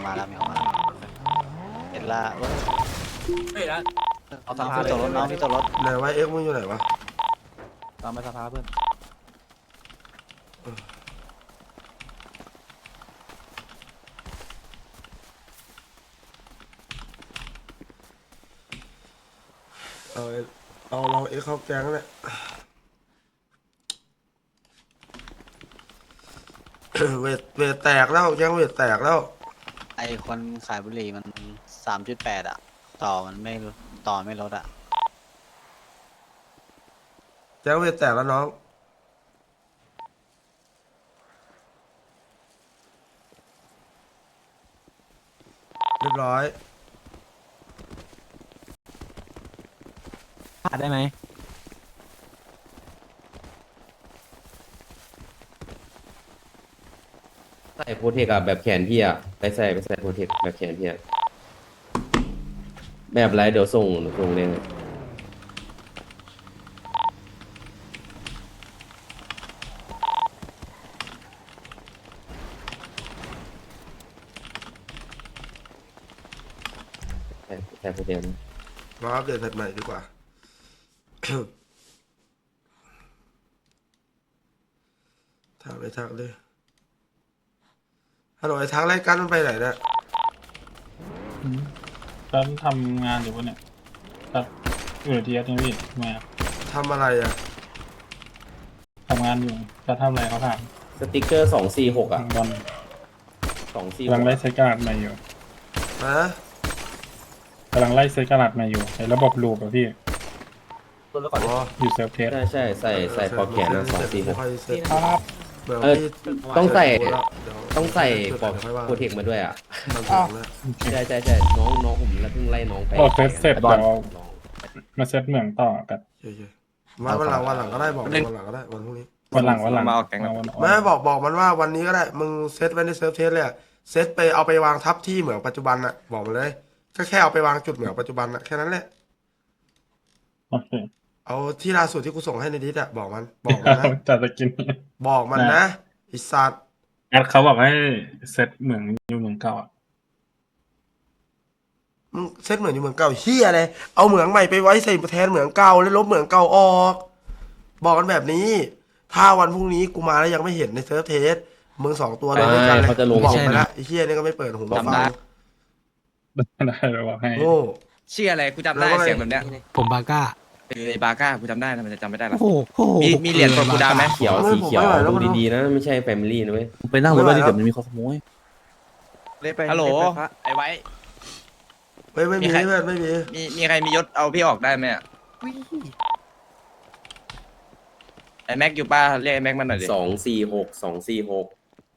มาแล้วมีออกมาแล้วเห็นละเว้ยเฮ้ยแล้วเอาสภาพี่ตกรถน้องพี่ตกรถไหนวะเอ็กซ์มึงอยู่ไหนวะตามไปสภาเพื่อนเอาลองเอ็กซ์เข้าแก๊งเนี่ย เวทแตกแล้วแก๊งเวทแตกแล้วไอคนขายบุหรี่มัน3.8อะต่อมันไม่ต่อไม่ลดอะแก๊งเวทแตกแล้วน้องเรียบร้อยผ่านได้ไหมใส่โปรเทคอะแบบแขนพี่อะไปใส่โปรเทคแบบแขนพี่อะแบบไรเดี๋ยวส่งเลยใส่โปรเทคนะมาอัปเดตแพทใหม่ดีกว่า ทักเลยทักเลยฮัลโหลไอ้ทักรายการมันไปไหนเนี่ยก็ทำงานอยู่วะเนี่ยครับอยู่ที่นี่พี่ทำไมอะทำอะไรอ่ะทำงานอยู่จะทำอะไรเขาถามสติ๊กเกอร์246อะบอล 246 กำลังไล่เซตกระดาษใหม่อยู่ฮะกำลังไล่เซตกระดาษใหม่อยู่ในระบบลูปอะพี่อ๋ออยู่เซิร์ฟเทสใช่ใส่พอแขนนะ246 ค่อยเสร็จครับเดี๋ยวเออพี่ต้องใส่เดี๋ยวต้องใส่ปอกดี๋ยวค่อยว่าโปรเทคมาด้วยอะทำถึงแล้วใช่น้องผมแล้วเพิ่งไล่น้องไปโอ้เซตเสร็จบอลเดี๋ยวมาเซตเหมืองต่อกันเฉยๆวันหลังก็ได้บอกวันหลังก็ได้วันพรุ่งนี้วันหลังมาออกแก๊งเอาแล้ววันไม่บอกมันว่าวันนี้ก็ได้มึงเซตไว้ในเซิร์ฟเทสเลยอะเซตไปเอาไปวางทับที่เหมืองปัจจุบันอะบอกมันเลยก็แค่เอาไปวางจุดเหมืองปัจจุบันอะแค่นั้นแหละโอเคเอาที่ล่าสุดที่กูส่งให้ในดิสอะบอกมันนะจัดสกินบอกมันนะไอิสัตว์แอดเขาบอกให้เซตเหมืองอยู่เหมืองเก่าอะมึงเซตเหมืองอยู่เหมืองเก่าเฮียอะไรเอาเหมืองใหม่ไปไว้ใส่แทนเหมืองเก่าแล้วลบเหมืองเก่าออก บอกกันแบบนี้ ถ้าวันพรุ่งนี้กูมาแล้วยังไม่เห็นในเซิร์ฟเทสมึงสองตัวเลยด้วยกันเลยเขาจะลงบอกใช่ไปไหมละไอ้เฮียนี่ก็ไม่เปิดหูมาฟังได้เลยบอกให้โง่เชื่ออะไรกูจำได้แล้วก็เสียงแบบเนี้ยผมบาก้าไอ้บาก้ากูจำได้นะมันจะจำไม่ได้หรอโอ้โหมีเหรียญตัวกูดาไหมเขียวสีเขียวดูดีๆนะไม่ใช่แฟมิลี่นะเว้ยไปนั่งรถไว้ดิเดี๋ยวมันมีคนขโมยฮัลโหลไอ้ไว้ไม่มีมีใครเพื่อนไม่มีมีใครมียศเอาพี่ออกได้ไหมอะไอ้แม็กอยู่ป้าเรียกไอ้แม็กมาหน่อยดิ 246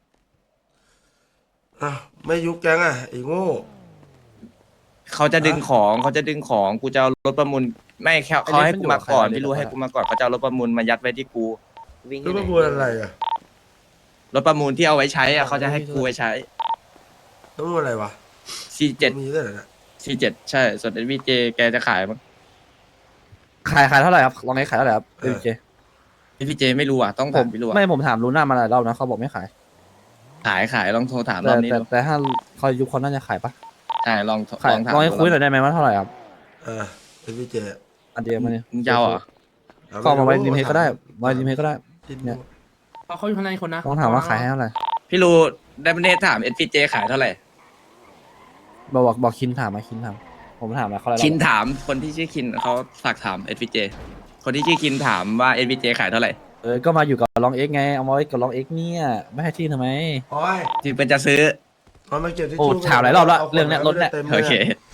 อ่ะไม่ยุบแก๊งอ่ะไอ้โง่เขาจะดึงของกูจะเอารถประมูลไม่แค่เขาให้กูมาก่อนพี่รู้ให้กูมาก่อนเขาจะเอารถประมูลมายัดไว้ที่กูรู้ว่าพูดอะไรอ่ะรถประมูลที่เอาไว้ใช้อะเขาจะให้กูไว้ใช้รู้ว่าอะไรวะ C7 มีด้วยเหรอเนี่ย C7 ใช่ ส่วน NVJ แกจะขายมั้งขายเท่าไหร่ครับลองให้ขายเท่าไหร่ครับเอเจ NVJ ไม่รู้อ่ะต้องผถาม มพี่รู้อ่ะไม่ผมถามลูน่ามาหลายรอบนะเขาบอกไม่ขายขายลองโทรถามรแต่อบนี้แต่ดูแต่ถ้าเขายุคเขาน่าจะขายปะใช่ลองขายลองถามลองให้คุยหน่อยได้ไหมว่าเท่าไหร่ครับเป็นพี่เจอันเดียวมาเนี่ยมึงจะเอาเหรอก็เอามาไว้ริมเฮดก็ได้ไว้ริมเฮดก็ได้ เนี่ยเขาอยู่ข้างในคนนะลองถามว่าขายให้เท่าไหร่พี่รู้ได้ประเด็นถาม NVJ ขายเท่าไหร่บอกคินถามมาคินถามผมถามแล้วเขาอะไรคินถามคนที่ชื่อคินเขาฝากถาม NVJ คนที่ชื่อคินถามว่า NVJ ขายเท่าไหร่ก็มาอยู่กับลองเอ็กไงเอามาไว้กับลองเอ็กเนี่ยไม่ให้ที่ทำไมโอ้ยที่เป็นจะซื้อเอามาเก็บที่โอ้ตู้ถามหลายรอบแล้วเรื่องเนี้ยรถเนี่ยต็มลโอเค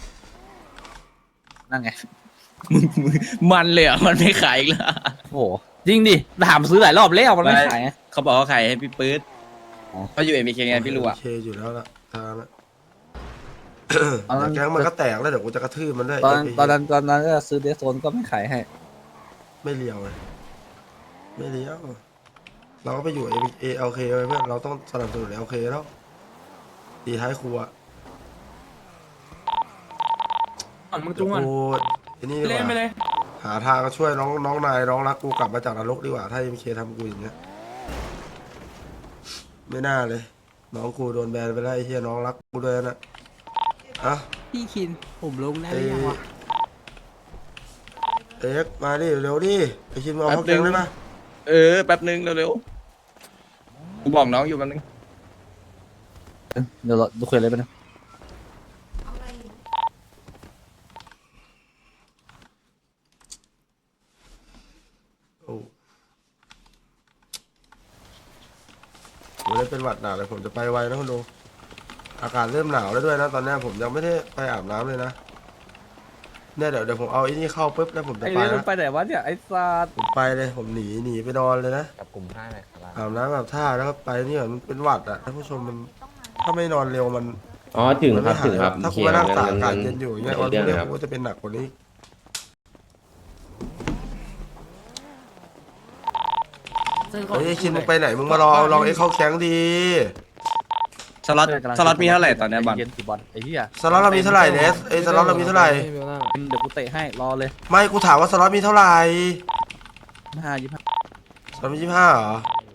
นั่นไงมันเลยอ่ะมันไม่ขายอีกแล้วโอ้โหจริงดิถามซื้อหลายรอบแล้วมันไม่ขายไงเขาบอกเขาขายให้พี่ปื๊ดอ๋อเขาอยู่ MBK ไงพี่รู้อ่ะโอเคอยู่แล้วล่ะทางนั้นแก๊งมันก็แตกแล้วเดี๋ยวกูจะกระทืบมันด้วยตอนนั้นก็ซื้อเดสโซนก็ไม่ขายให้ไม่เลี้ยวเลยไม่เลี้ยวเราก็ไปอยู่ALK ไปเพื่อนเราต้องสนับสนุน LK แล้วตีท้ายครัวมึงจุ้งอ่ะกูไอ้นี่ดีกเล่นไปว่าเลยหาทางช่วยน้องนายน้องรักกูกลับมาจากนรกดีกว่าถ้า MK ทำกูอย่างเงี้ยไม่น่าเลยน้องกูโดนแบนไปแล้วไอ้เหี้ยน้องรักกูด้วยนะอ่ะพี่คินผมลงได้หรือยังวะเอ็กมาดิเร็วดิไอ้ชินมาเอาเข้าแกงได้ปะแป๊บนึงเร็วๆกูบอกน้องอยู่แป๊บนึงเดี๋ยวเราดูคุยอะไรไปนะโอ้ผมเลยเป็นหวัดหนาวเลยผมจะไปไวนะคุณดูอากาศเริ่มหนาวแล้วด้วยนะตอนนี้ผมยังไม่ได้ไปอาบน้ำเลยนะเนี่ยเดี๋ยวผมเอาไอ้นี่เข้าปุ๊บแล้วผมจะไอ้ไปเรื่องนะไปไหนวะเนี่ยไอ้สัตว์ผมไปเลยผมหนีไปนอนเลยนะกับกลุ่ม5เลยครับอาบน้ำอาบท่าแล้วก็ไปนี่ก่อนมันเป็นหวัดอ่ะท่านผู้ชมมันถ้าไม่นอนเร็วมันอ๋อถึงมันครัไม่บหาถึยงครับถ้ากูเคลียมาร์นั่งตากงั้อากาศงั้เย็นอยู่อย่างเงี้ยไม่วันเรื่พองรุ่งนี้ครับกูก็จะเป็นหนักกว่านี้ เฮ้ยไอ้ชินมึงไปไหนมึงมารอลองไอ้เข้าแข้งดีสล็อตมีเท่าไหร่ตอนเนี้ยบอลเย็นสิบอลไอ้เหี้ยสล็อตเรามีเท่าไหร่เนสไอ้สล็อตเรามีเท่าไหร่เดี๋ยวกูเตะให้รอเลยไม่กูถามว่าสล็อตมีเท่าไหร่ 25 สล็อตมี25เหรอ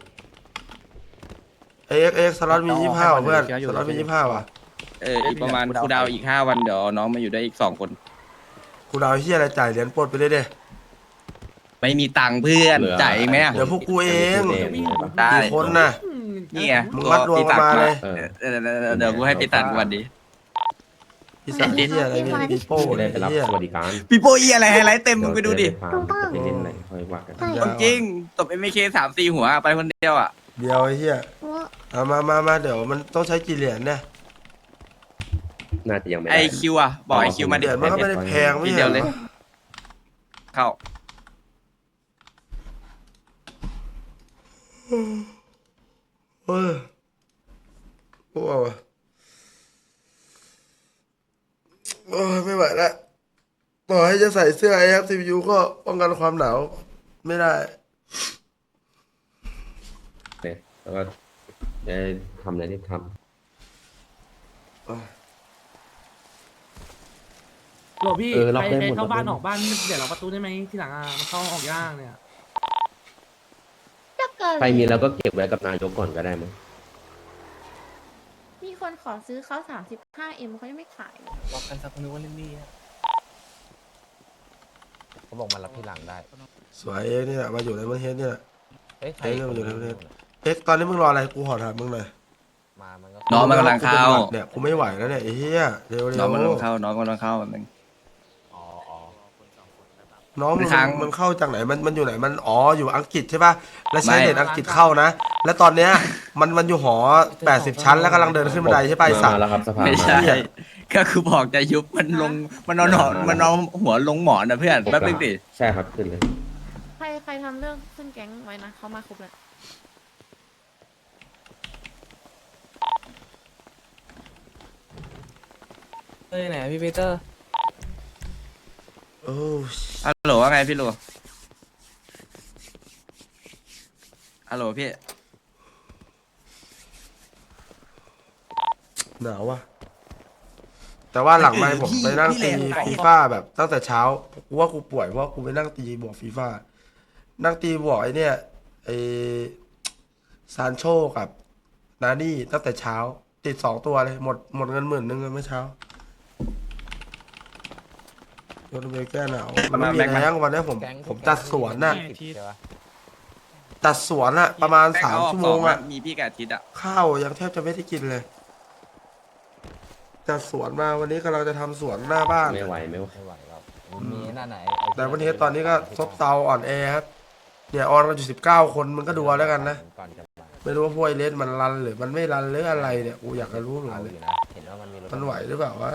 เอ็กสล็อตมี25เหรอเพื่อนสล็อตมี25ว่ะอีกประมาณกูดาวอีก5 วันเดี๋ยวน้องมาอยู่ได้อีก2 คนกูดาวเฮียอะไรจ่ายเหรียญปลดไปเลยเด้ไม่มีตังค์เพื่อนจ่ายเองไหมอะเดี๋ยวพวกกูเองได้กี่คนน่ะนี่ไงมึงมัดรวมกันมาเลยเดี๋ยวกูให้ปีตันวันดีพี่สันเฮียอะไรเนี่ยปีโป้จะได้เนี่ยไปรับเฮียสวัสดิการปีโป้อีอะไรไฮไลท์เต็มมึงไปดูดิไปเล่นอะไรค่อยว่ากันจริงตบ MK 3-4 หัวไปคนเดียวอ่ะเดียวไอ้เฮียเอามาเดี๋ยวมันต้องใช้กี่เหรียญเนี่ยน่าจะยังไม่ไอได้คิวอ่ะบอกไอคิวมาเหดิรียญมันก็ไม่ได้แพงไม่ทีใช่เดียวเหรเลยอเข้าเออโอ้ยโอ้ยไม่ไหวแล้วต่อให้จะใส่เสื้อ AFCU ก็ป้องกันความหนาวไม่ได้เนี่ยแล้วก็จะทำอะไรที่ทโหลพี่เออล็อกใครได้หมดเข้าบ้านล็อกได้หมดออกบ้านเดี๋ยวเราประตูได้ไหมที่หลังมันเข้าออกยากเนี่ยำใครมีเราก็เก็บไว้กับนายกก่อนก็ได้มั้งมีคนขอซื้อเขา 35M เขายังไม่ขายเลยบอกกันสักคนนึงว่าเล่นนี่เขาบอกมารับที่หลังได้สวยเอ็กนี่แหละมาอยู่ในประเทศนี่แหละเอ้ยเอ้ยเรื่องมันอยู่ในประเทศ เอ็กตอนนี้มึงรออะไรกูขอถามมึงหน่อยมามันก็น้องมันกำลังเข้าเนี่ยกูไม่ไหวแล้วเนี่ยไอ้เหี้ยเร็วน้องมันกำลังๆเข้าน้องกำลังเข้าหนึ่งอ๋อน้องมึงค้างมันเข้าจากไหนมันอยู่ไหนมันอ๋ออยู่อังกฤษใช่ป่ะแล้วใช้ไม่เน็ตอังกฤษเข้านะ แล้วตอนเนี้ยมันอยู่หอ80 ชั้นแล้วกำลังเดินขึ้นบันไดใช่ป่ะไอ้สัตมาว์แล้วครับสภาไม่มาใช่ก็คือบอกจะยุบมันลงมันนอนมันนอนหัวลงหมอนนะเพื่อนแป๊บนึงดิใช่ครับขึ้นเลยใครทำเรื่องขึ้นแก๊งไว้นะเขามาครบแล้วเอ้ยไหนพี่ปีเตอร์โอ้ฮัลโหลว่าไงพี่ลูฮัลโหลพี่หนาวว่ะแต่ว่าหลังไมค์ผมไปนั่งตีฟีฟ่าแบบตั้งแต่เช้ากูว่ากูป่วยเพราะกูไปนั่งตีบวกฟีฟ่านั่งตีบวกไอ้เนี่ยไอ้ซานโชกับนานี่ตั้งแต่เช้า ติด2 ตัวเลยหมดเงิน10,000เมื่อเช้าโดนเบลแก้หนาวมันไม่มีแรงวันนี้ผมจัดสวนน่ะจัดสวนน่ะประมาณ3 ชั่วโมงอ่ะมีพี่กับอาทิตย์อ่ะข้าวยังแทบจะไม่ได้กินเลยจัดสวนมาวันนี้กำลังจะทำสวนหน้าบ้านไม่ไหวครับมีหน้าไหนแต่วันนี้ตอนนี้ก็ซบเซาอ่อนแอครับเนี่ยออนกันอยู่19 คนมึงก็ดูเอาแล้วกันนะก่อนจะมาไม่รู้ว่าพวกไอเลสมันรันหรือมันไม่รันหรืออะไรเนี่ยกูอยากจะรู้เหมือนเอากันอเลยยู่นะเห็นว่ามันมีรถมันไหวหรือเปล่าวะ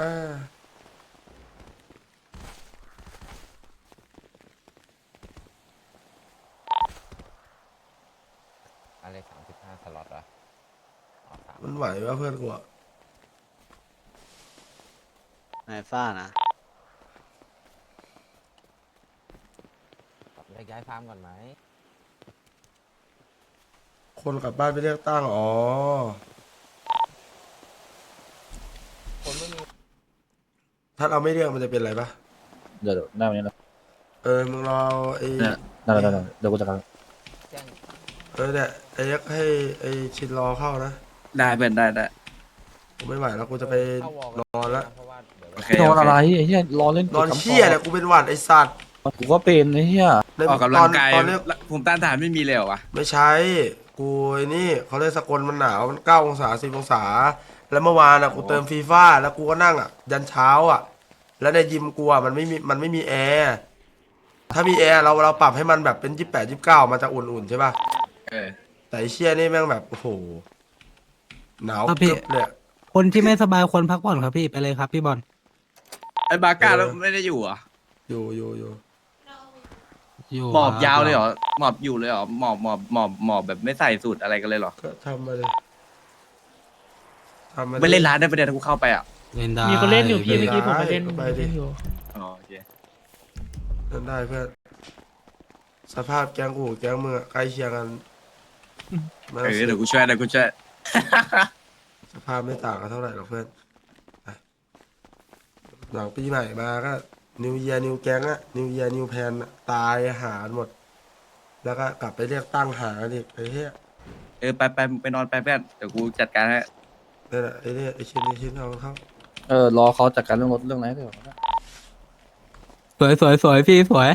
อะไร35 สล็อตวะอ๋อสามมันไหววะเพื่อนกูอะนายฟ้านะครับแยกย้ายฟาร์มก่อนไหมคนกลับบ้านไปเลือกตั้งอ๋อคนไม่มีถ้าเราไม่เลือกมันจะเป็นอะไรปะเดี๋ยวหน้าวันนี้แล้วมึงรอไอ้ได้เดี๋ยวกูจะกันแจ้งเนี่ยไอ้ยักษ์ให้ไอ้ชินรอเข้านะได้เพื่อนได้กูไม่ไหวแล้วกูจะไปนอนแล้วโอเคนอนโออะไรเคไอ้เหี้ยรอเล่นนอนเชี่ยเนี่ยกูเป็นหวัดไอสัตว์กูก็เป็นไอ้เหี้ยในออกกำลังกายตอนเนี้ยภูมิต้านทานไม่มีเลยเหรอวะไม่ใช่กูไอ้นี่เขาเลยกสกลมันหนาวมัน9 องศา10 องศาแล้วเมื่อวานอ่ะกูเติมฟีฟ่าแล้วกูก็นั่งอ่ะยันเช้าอ่ะแล้วในยิมกูอ่ะมันไม่มีแอร์ถ้ามีแอร์เราปรับให้มันแบบเป็น28 29มันจะอุ่นๆใช่ป่ะเออแต่ไอ้เชี่ยนี่แม่งแบบโอ้โหหนาวครับพี่กึบเลยอะคนที่ไม่สบายควรพักผ่อนครับพี่ไปเลยครับพี่บอลไอ้บาก้าแล้วไม่ได้อยู่เหรอ่ะอยู่หมอบยาวเลยเหรอหมอบอยู่เลยเหรอหมอบแบบไม่ใส่สูตรอะไรกันเลยเหรอก็ทำมาเลยทำมาไม่เล่นร้านได้ประเด็นกูเข้าไปอ่ะเล่นได้มีคนเล่นอยู่พี่เมื่อกี้ผมไปได้เล่นก็ไปดิอยู่อ๋อโอเคเล่นได้เพื่อนสภาพแก๊งกูกับแก๊งมึงอะใกล้เคียงกันไม่เอต้องอสืบเดี๋ยวกูช่วยสภาพไม่ต่างกันเท่าไหร่หรอกเพื่อนไปหลังปีใหม่มาก็นิวเยียนิวแก๊งอะนิวเยียนิวแพนตายหารหมด แล้วก็กลับไปเรียกตั้งหากันอีกไอ้เหี้ยเออไปนอนไปเพื่อนเดี๋ยวกูจัดการให้นั่นแหละไอ้เนี่ยไอ้ชิ้นเอาเข้ารอเขาจัดการเรื่องรถเรื่องอะไรเดี๋ยวสวยพี่สวย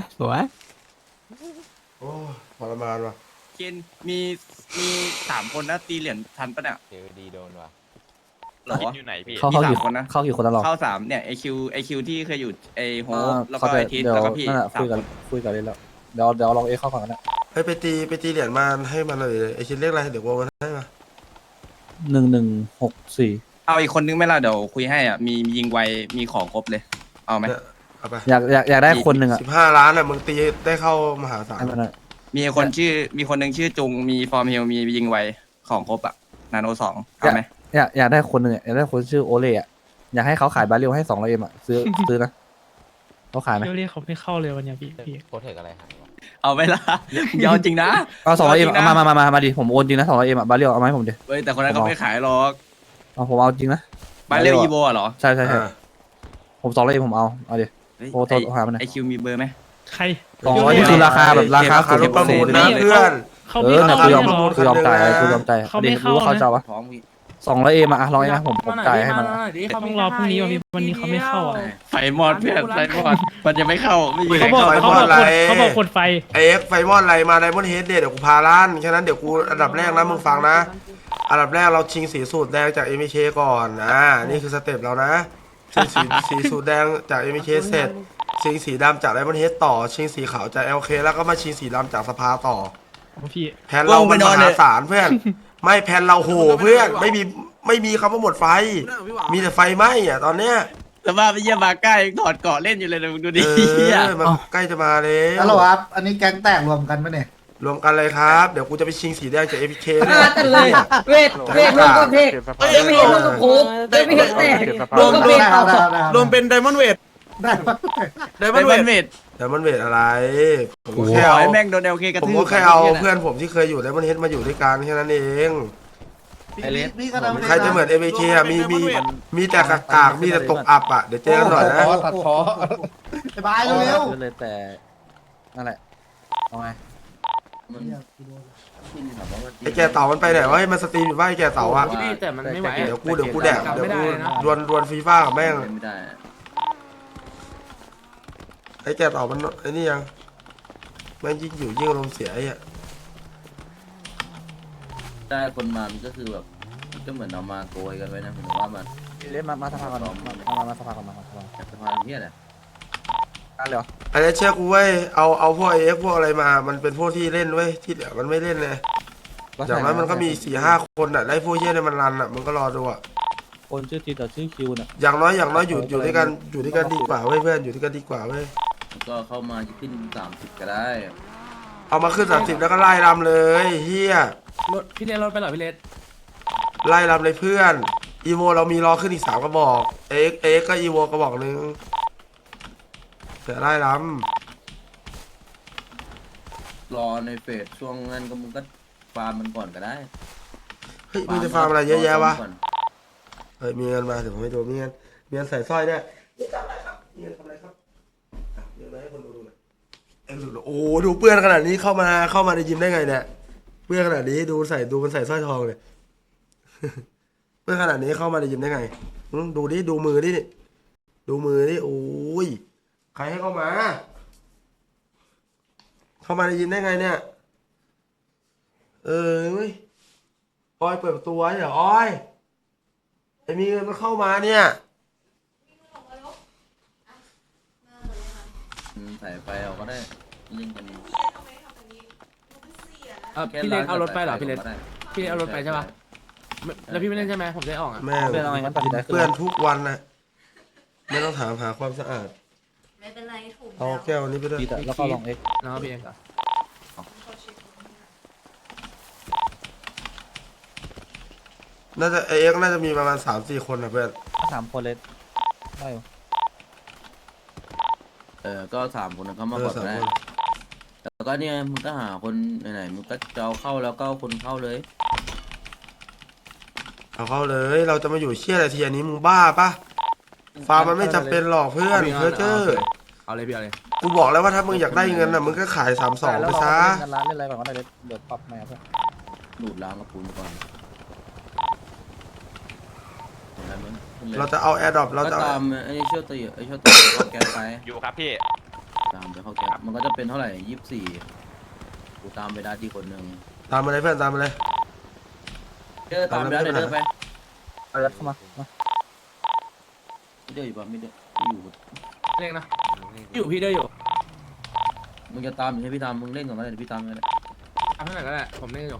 โอ้ทรมานว่ะเคนมี3 คนนะตีเหรียญทันปะเนี่ยเจอดีโดนว่ะเหรออยู่ไหนพี่เข้ามีกี่ 3 คนนะเข้ากี่คนแล้วหรอเข้า3เนี่ยไอคิวที่เคยอยู่ไอโฮปแล้วก็เขาไอจะทิศเดี๋ยวแล้วก็พี่นั่นแหละสามคุยคกันนเลยแล้วเดี๋ยวลองเข้าก่อนนะเฮ้ยไปตีเหรียญมาให้มันเลยไอ้ชิ้นเรียกอะไรเดี๋ยวโอนให้มา 1164 เอาอีกคนนึงไหมล่ะเดี๋ยวคุยให้อ่ะมียิงไวมีของครบเลยเอาไหมเนี่ยเอาไปอยากได้คนหนึ่งอ่ะ 15 ล้านอ่ะมึงตีได้เข้ามหาศาลให้มันอะมีคนนึงชื่อจุงมีฟอร์มเฮลมียิงไวของครบอ่ะนาโน2เอาไหมอยากได้คนหนึ่งอะอยากได้คนชื่อโอเล่อะอยากให้เขาขายบาเรลให้200 M อ่ะซื้อนะเขาขายไหมเรียกเขาไม่เข้าเลยวันนี้พี่โคเทคอะไรหายวะเอาไหมล่ะยาวจริงนะเอา200 M จริงนะมาดิผมโอนจริงนะ200 M อ่ะบาเรลเอาไหมาให้ผมดิเฮ้ยแต่คนนั้นเขาไม่ขายหรอกเอาผมเอาจริงนะบาเรลอีโวเหรอใช่อ่าผม200 M ผมเอาดิเฮ้ยโอ้โทษหามันหน่อยไอคิวมีเบอร์ไหมใคร 200นี่คือราคาแบบราคาราคารถประมูลนะเพื่อนเขาเอไม่อเนี่ยเข้ากูยอมเลยเหรอกูยอมจ่ายกูยอมจ่ายเขาไม่ดิเข้ารู้ว่าเขานะจะเอาปะท้องมี 200 M อ่ะ100 นะผมจ่ายให้มันต้องรอพรุ่งนี้วันนี้เขาไม่เข้าอ่ะไฟมอดเพื่อนไฟมอดมันจะไม่เข้าไม่มีใครเขาบอกเข้าเขาบอกกดไฟไอเอ็กไฟมอนอะไรมาไดมอนด์เฮดเดี๋ยวกูพาล้านแค่นั้นเดี๋ยวกูอันดับแรกนะมึงฟังนะ อันดับแรกเราชิงสีสูตรแดงจาก MK ก่อนนี่คือสเต็ปเรานะชิงสีสูตรแดงจาก MK เสร็จชิงสีดำจากไดมอนด์เฮดต่อชิงสีขาวจาก LK แล้วก็มาชิงสีดำจากสภาต่อพี่แผนเรามันมหาศาลเพื่อน ไม่แผนเราโหเพื่อนไม่มีคำว่าหมดไฟ มีแต่ไฟไหม้อะตอนเนี้ยแต่ว่าไปเยี่ยมมาใกล้ถอดเกาะเล่นอยู่เลยนะมึงดูดิมันใกล้จะมาเลยฮัลโหลครับ อันนี้แก๊งแตกรวมกันปะเนี่ยรวมกันเลยครับ เดี๋ยวกูจะไปชิงสีแดงจาก MK เลยเวทรวมกับเพกไม่เห็นรวมกับโคกไม่เห็นแตกรวมกับเพกรวมเป็นไดมอนด์เวทไดมอนด์เวทแต่มันเวทอะไร ผมก็ขแค่อเอาให้แม่งโดนเอลเคกระผมทืบก็แค่เอาเพื่อนผมที่เคยอยู่แล้วมันเฮ็ดมาอยู่ด้วยกันแค่นั้นเองพี่ก็ทำใครจะเหมือน MK อ่ะมีแต่กากๆมีแต่ตกอับอ่ะเดี๋ยวเจอกันหน่อยนะตัดคอไปบายเร็วเลยแต่นั่นแหละเอาไงไอ้แกเต่ามันไปไหนวะให้มันสตรีมอยู่ว่าไอ้แกเต่าอ่ะแต่มันไม่ไหวเดี๋ยวกูแดกเดี๋ยวไม่ได้กูนะดวลฟีฟ่ากับแม่งไม่ได้ไอ้แกเต่ามันไอ้นี่ยังแม่งยิ่งอยู่ยิ่งอารมณ์เสียไอ้อะได้คนมามันก็คือแบบมันก็เหมือนเอามาโกยกันไว้นะผมว่ามันเล่นมาสภาก่อนมาสภาก่อนมาสภาจากสะพานเนี้ยแหละกันเลยเหรออันนี้เชื่อกูเว้ยเอาพวกไอเอ็กพวกอะไรมา มันเป็นพวกที่เล่นเว้ยที่เหลือมันไม่เล่นเลยอย่างนั้นมันก็มี4-5 คนอ่ะได้พวกเฮียเนี่ยมันรันอ่ะมึงก็รอดูอ่ะคนชื่อทีกับชื่อคิวเนี่ยอย่างน้อยอยู่ด้วยกันดีกว่าเว้ยเพื่อนอยู่ด้วยกันดีกว่าเว้ยแล้วก็เข้ามาจะขึ้น30ก็ได้เอามาขึ้น30แล้วก็ไล่รำเลยเฮียรถพี่เลนรถไปเหรอพี่เลนไล่รำเลยเพื่อนอีโวเรามีรอขึ้นอีก3 กระบอกเอ็กก็อีโวกระบอกนึงเดี๋ยวไล่รรอในเฟสช่วงนั้นก็มึงก็ฟาร์มมันก่อนก็ได้ำเฮ้ยมึงจะฟาร์มอะไรเยอะแยะวะก่อนเฮ้ยมีเงินมาเดี๋ยวผมให้ดูมีเงินใส่สร้อยเนี่ยนี่ทำอะไรครับมีเงินทำอะไรครับอ่ะเดี๋ยวมาให้คนดูหน่อยโอ้ดูเปื้อนขนาดนี้เข้ามาในยิมได้ไงเนี่ยเปื้อนขนาดนี้ดูมันใส่สร้อยทองเลยเพื่อนขนาดนี้เข้ามาในยิมได้ไงดูดิดูมือดิดูมือดิโอ้ยใครให้เข้ามา เข้ามาในยิมได้ไงเนี่ยเว้ยออยเปิดประตูไว้เหรอออยไอ้มีเงินมันเข้ามาเนี่ยใส่ไปเราก็ได้เล่นกันพี่เลนเอารถไปเหรอพี่เลนพี่เอารถไปใช่ปะแล้วพี่ไม่เล่นใช่ไหมผมจะออกอ่ะแม่งเพื่อนเอาไงงั้นตัดสินใจขึ้นเพื่อนทุกวันนะไม่ต้องถามหาความสะอาดไม่เป็นไรถูกเอาแก้วนี้ไปด้วยปีแต่แล้วก็ลองเอ็กแล้วพี่เองก่อนน่าจะเอ็กน่าจะมีประมาณ3-4 คนนะเพื่อน 3 คนเลยได้อยู่ก็3 คนเข้ามาก่อน 3 ก็ได้คนแล้วก็เนี่ยมึงก็หาคนไหนๆมึงก็จะเอาเข้าแล้วก็เอาคนเข้าเลยเอาเข้าเลย เราจะมาอยู่เชี่ยอะไรทีอันนี้มึงบ้าปะฟาร์มมันไม่จำเป็นหรอกเพื่อนเพื่อเจอเอาเลยพี่เอาเลยกูบอกแล้วว่าถ้ามึงอยากได้เงินน่ะมึงก็ขาย32 แล้ไปวเราซะเล่นกันร้านเล่นอะไรก่อนก็ได้เลยเดี๋ยวปรับใหม่ครับดูดล้างกระปุนก่อนเห็นไหมมึงขึ้นเลยเราจะเอาแอร์ดรอปเราก็จะเอาตามไอ้เชี่ยวตีเข้าแก๊สไปอยู่ครับพี่ตามไปเข้าแก๊สมันก็จะเป็นเท่าไหร่24กูตามไปได้ที่คนหนึ่งตามมาเลยเพื่อนตามมาเลยตามไปได้เดินไปเอายัดเข้ามาไม่เดินอยู่ป่ะไม่เดินอยู่เล่นนะอยู่พี่เด้อยู่มึงจะตามอยู่ให้พี่ตามมึงเล่นก่อนก็ได้เดี๋ยวพี่ตามก็ได้ทำให้หน่อยก็ได้ผมเล่นอยู่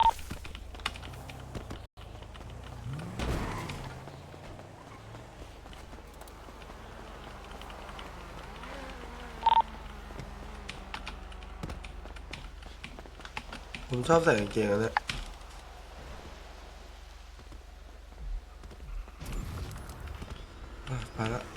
ผมชอบใส่กางเกงอันเนี้ยไปละ